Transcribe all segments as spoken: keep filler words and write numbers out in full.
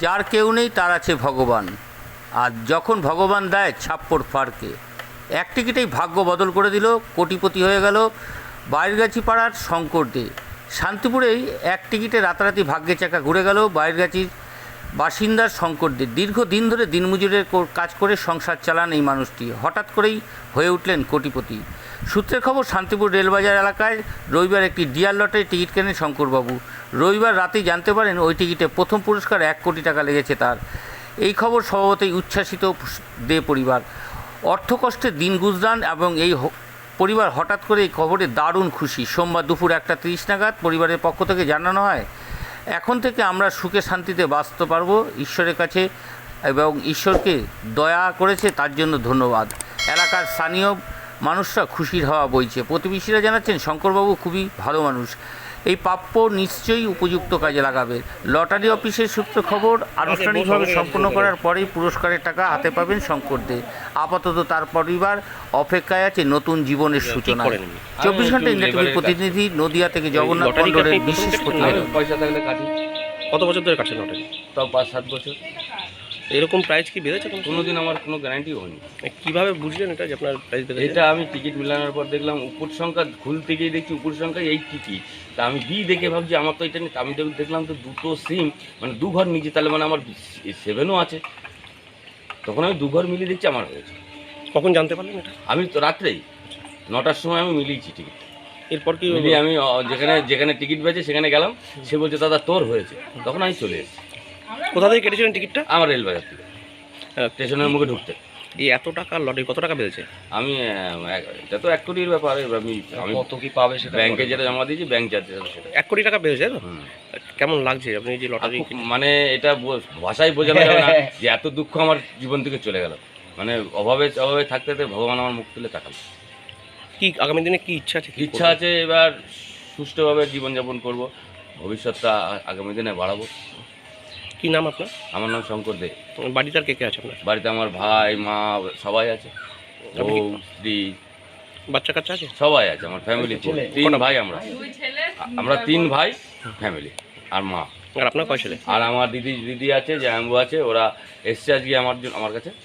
যার কেউ নেই তার আছে ভগবান, আর যখন ভগবান দেয় ছাপ্পড় ফাড়কে। এক টিকিটেই ভাগ্য বদল করে দিল, কোটিপতি হয়ে গেল বাইরগাছি পাড়ার শঙ্কর দে। শান্তিপুরেই এক টিকিটে রাতারাতি ভাগ্যের চাকা ঘুরে গেল বাইরগাছির বাসিন্দার শঙ্কর দে। দীর্ঘদিন ধরে দিনমজুরের কাজ করে সংসার চালান এই মানুষটি হঠাৎ করেই হয়ে উঠলেন কোটিপতি। সূত্রের খবর, শান্তিপুর রেলবাজার এলাকায় রবিবার একটি ডিয়ার লটারি টিকিট কেনেন শঙ্করবাবু। রবিবার রাতেই জানতে পারেন ওই টিকিটে প্রথম পুরস্কার এক কোটি টাকা লেগেছে তার। এই খবর স্বভাবতই উচ্ছ্বাসিত দে পরিবার। অর্থকষ্টে দিন গুজরান এবং এই পরিবার হঠাৎ করে এই খবরে দারুণ খুশি। সোমবার দুপুর একটা তিরিশ নাগাদ পরিবারের পক্ষ থেকে জানানো হয়, এখন থেকে আমরা সুখে শান্তিতে বাঁচতে পারবো ঈশ্বরের কাছে, এবং ঈশ্বরকে দয়া করেছে তার জন্য ধন্যবাদ। এলাকার স্থানীয় মানুষরা খুশির হাওয়া বইছে। প্রতিবেশীরা জানাচ্ছেন শঙ্করবাবু খুবই ভালো মানুষ, এই প্রাপ্য নিশ্চয়ই উপযুক্ত কাজে লাগাবে। লটারি অফিসের সূত্র খবর, আনুষ্ঠানিকভাবে সম্পন্ন করার পরেই পুরস্কারের টাকা হাতে পাবেন শঙ্কর দে। আপাতত তার পরিবার অপেক্ষায় আছে নতুন জীবনের সূচনা। চব্বিশ ঘন্টা ইন্ডিয়া টিভির প্রতিনিধি নদিয়া থেকে জগন্নাথ মণ্ডলের বিশেষ প্রতিবেদন। পয়সা থাকলে কাটি। কত বছর ধরে কাটছেন লটারি? তাও পাঁচ সাত বছর। এরকম প্রাইস কি বেড়েছে? কোনো দিন আমার কোনো গ্যারান্টিও হয়নি। কীভাবে বুঝলেন এটা যে আপনার প্রাইস বেড়েছে? এটা আমি টিকিট মিলানোর পর দেখলাম উপর সংখ্যা খুলতে গিয়ে দেখছি উপর সংখ্যা এই টিকিট। তা আমি বি দেখে ভাবছি আমার তো এটা নেই। আমি দেখলাম তো দুটো সিম, মানে দু ঘর নিচে, তাহলে মানে আমার সেভেনও আছে। তখন আমি দু ঘর মিলিয়ে দেখছি আমার হয়েছে। কখন জানতে পারলেন এটা? আমি তো রাত্রেই নটার সময় আমি মিলিয়েছি টিকিট। এরপর কি মিলিয়ে আমি যেখানে যেখানে টিকিট পেয়েছে সেখানে গেলাম, সে বলছে দাদা তোর হয়েছে। তখন আমি চলে এসেছি। কোথা থেকে কেটেছিলেন টিকিটটা? আমার রেলবাজার থেকে, স্টেশনের মুখে ঢুকতে। এই এত টাকা লটারি কত টাকা বেড়েছে? আমি এটা তো এক কোটির ব্যাপার। আমি আমি কত কি পাবে সেটা ব্যাংকে যেটা জমা দিয়েছি, ব্যাংক চার্জ সেটা এক কোটি টাকা বেড়েছে তো? কেমন লাগছে আপনি যে লটারি? মানে এটা ভাষায় বোঝানো যাবে না যে এত দুঃখ আমার জীবন থেকে চলে গেল। মানে অভাবে অভাবে থাকতে থাকতে ভগবান আমার মুখ তুলে তাকাল। কি আগামী দিনে কি ইচ্ছা আছে? ইচ্ছা আছে এবার সুষ্ঠুভাবে জীবনযাপন করব, ভবিষ্যৎটা আগামী দিনে বাড়াবো। কি নাম আপনার? আমার নাম শঙ্কর দে। বাড়িতে আর কে কে আছে আপনার? বাড়িতে আমার ভাই মা সবাই আছে, বউ স্ত্রী বাচ্চা কাচ্চা আছে? সবাই আছে। আমার ফ্যামিলি তিন ভাই, আমরা আমরা তিন ভাই ফ্যামিলি, আর মা। আর আপনার কয় ছেলে? আর আমার দিদি দিদি আছে, জ্যাম্বু আছে, ওরা এসছে আজকে আমার জন্য আমার কাছে।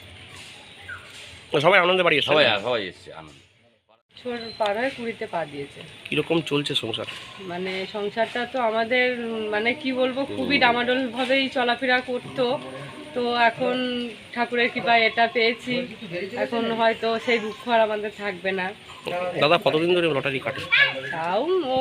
সবাই আনন্দে বাড়ি সবাই সবাই এসছে আনন্দ। পার হয়ে কুড়িতে পা দিয়েছে। কিরকম চলছে সংসার? মানে সংসারটা তো আমাদের মানে কি বলবো, খুবই ডামাডোল ভাবেই চলাফেরা করতো। তো এখন ঠাকুরের কৃপায় এটা পেয়েছি, এখন হয়তো সেই দুঃখ আর আমাদের থাকবে না। দাদা কতদিন ধরে লটারি কাটে? তাও ও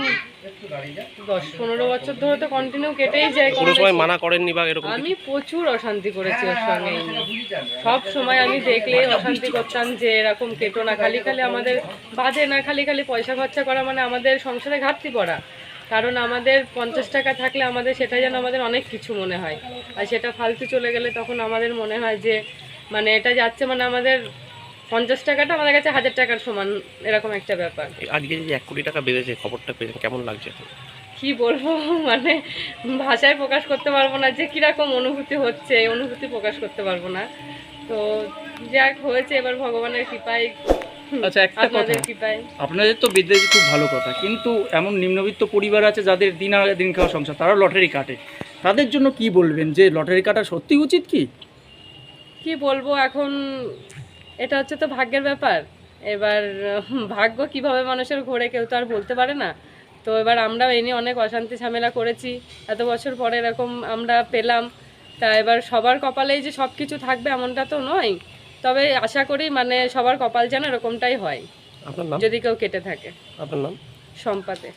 দশ পনেরো বছর ধরে তো কন্টিনিউ কেটেই যায়। কোনো সময় মানা করেননি বা এরকম? আমি প্রচুর অশান্তি করেছি ওর সঙ্গে। সব সময় আমি দেখলে অশান্তি করতাম যে এরকম কেটো না, খালি খালি আমাদের বাজে না, খালি খালি পয়সা খরচা করা মানে আমাদের সংসারে ঘাটতি পড়া। কারণ আমাদের পঞ্চাশ টাকা থাকলে আমাদের সেটা যেন আমাদের অনেক কিছু মনে হয়, আর সেটা ফালতু চলে গেলে তখন আমাদের মনে হয় যে মানে এটা যাচ্ছে, মানে আমাদের পঞ্চাশ টাকাটা আমাদের কাছে হাজার টাকার সমান, এরকম একটা ব্যাপার। আজকে যে এক কোটি টাকা বেড়েছে খবরটা পেয়েছেন, কেমন লাগছে? কি বলবো, মানে ভাষায় প্রকাশ করতে পারবো না যে কীরকম অনুভূতি হচ্ছে, এই অনুভূতি প্রকাশ করতে পারবো না। তো যাক হয়েছে, এবার ভগবানের কৃপায়। আচ্ছা, একটা কথা, আপনাদের তো বিদ্যার্থী খুব ভালো কথা, কিন্তু এমন নিম্নবিত্ত পরিবার আছে যাদের দিন আগে দিন খাওয়া সংসার, তারা লটারি কাটে। তাদের জন্য কি বলবেন যে লটারি কাটা সত্যি উচিত? কি কি বলবো, এখন এটা হচ্ছে তো ভাগ্যের ব্যাপার। এবার ভাগ্য কিভাবে মানুষের ঘোরে কেউ তো আর বলতে পারে না। তো এবার আমরা এই নিয়ে অনেক অশান্তি ঝামেলা করেছি, এত বছর পরে এরকম আমরা পেলাম। তা এবার সবার কপালেই যে সব কিছু থাকবে এমনটা তো নয়, তবে আশা করি মানে সবার কপাল যেন এরকমটাই হয়। আপনার নাম? যদি কেউ কেটে থাকে। আপনার নাম? সম্পাদে।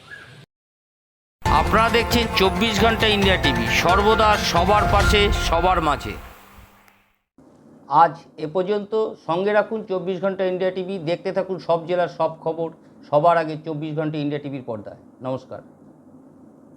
আপনারা দেখছেন চব্বিশ ঘন্টা ইন্ডিয়া টিভি, সর্বদা সবার পাশে সবার মাঝে। আজ এ পর্যন্ত। সঙ্গে রাখুন চব্বিশ ঘন্টা ইন্ডিয়া টিভি, দেখতে থাকুন সব জেলার সব খবর সবার আগে চব্বিশ ঘন্টা ইন্ডিয়া টিভির পর্দায়। নমস্কার।